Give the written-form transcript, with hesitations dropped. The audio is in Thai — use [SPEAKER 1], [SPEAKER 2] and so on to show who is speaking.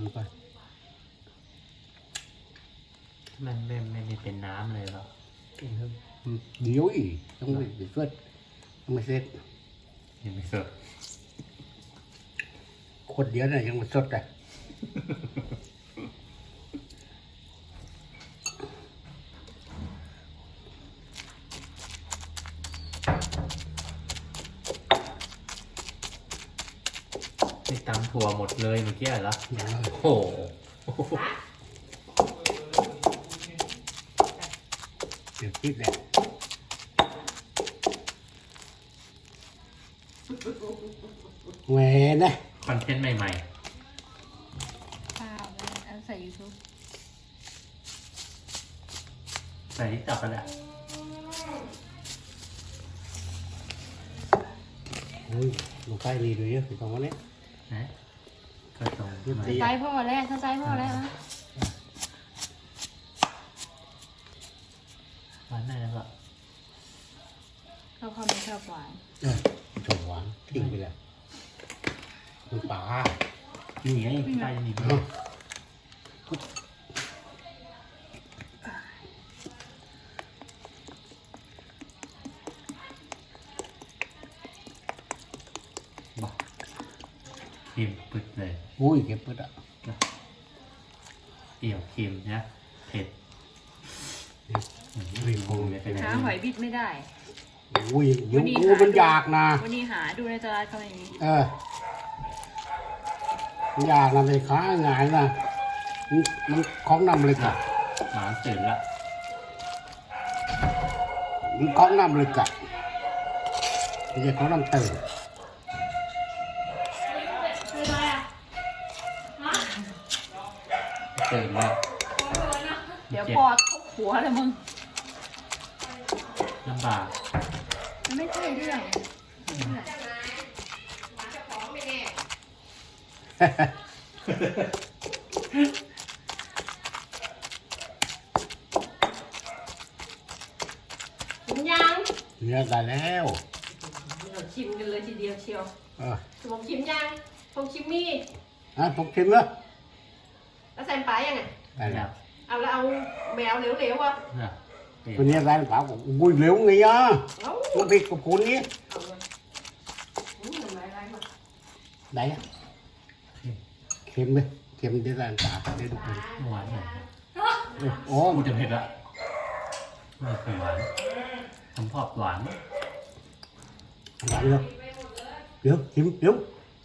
[SPEAKER 1] ำไป
[SPEAKER 2] มันไม่ได้เป็นน้ำเลยหรอ
[SPEAKER 1] เดี๋ยวอีกต้องไปเสร็จต้องไปเสร็จ
[SPEAKER 2] ยังไม่สด
[SPEAKER 1] คนเดียวน่ะยังไม่สดเลย
[SPEAKER 2] นี่ตำถั่วหมดเลยเมื่อกี้เหรอโอ้โห
[SPEAKER 1] เดี๋ยวคิดเลยแหวนนะ
[SPEAKER 2] คอนเทนต์ใหม่
[SPEAKER 3] ข้าวเอาใส่ YouTube
[SPEAKER 2] ๆใส่ที่ตับไปแล้ว
[SPEAKER 1] ลงใต้ดีด้วยเยอะถึงตรงวันนี้
[SPEAKER 2] นะก็ตรง
[SPEAKER 3] ใส่พ่อแล้วถ้าใส่พ่อแล้วนะ
[SPEAKER 2] หวานได้แล้วก็
[SPEAKER 3] เขาไม่ชอบหวาน
[SPEAKER 1] ชอบหวานทิ้งไปแล้วมันป่า
[SPEAKER 2] นี่ไงใต้นี่บ้าเค็มปึ๊ดเลย
[SPEAKER 1] อุ้ยเก็บปึ๊ดอ่ะ
[SPEAKER 2] เปรี้ยวเค็มนะเผ็ด
[SPEAKER 1] รีบปรุง
[SPEAKER 3] หาหอยบิดไม่ได้
[SPEAKER 1] อุ้ยยุงกูมันอยากนะ
[SPEAKER 3] วันนี้หาดูในตลาดเขาอย่างนี้
[SPEAKER 1] มันอยากนะไปค้าง่ายนะมันของนำเลยค่ะ
[SPEAKER 2] หมาตื่นละ
[SPEAKER 1] มันของนำเลยกะไม่ใช่ของนำตื่น
[SPEAKER 2] ตื่นแล้ว
[SPEAKER 3] เดี๋ยวพอทุบหัวเลยมึง
[SPEAKER 2] ลำบาก
[SPEAKER 3] มันไม่ใช่เรื่อง
[SPEAKER 4] ชิมยัง
[SPEAKER 1] เนี่ยได้แล้ว
[SPEAKER 4] เราชิมกันเลยทีเดียวเชียวผมชิมยังผมชิมมี่
[SPEAKER 1] ผมชิมแล้ว
[SPEAKER 4] แล้วใส่ปลายังไง
[SPEAKER 1] ได้แล้ว
[SPEAKER 4] เอาแล้วเอาแมวเหลวๆวะ
[SPEAKER 1] ตัวนี้ได้ปลาอุ้ยเหลวไงอ่ะมันผิดกับคุณนี้ได้เค็มเลยเค็มได้ร้านปลาได้ทุกคน
[SPEAKER 2] หวานเลย
[SPEAKER 1] โอ้
[SPEAKER 2] กูจะเผ็ดละไม่เคยหวานผมชอบหวาน
[SPEAKER 1] หวานเลยเดี๋ยวชิมเดี๋ยว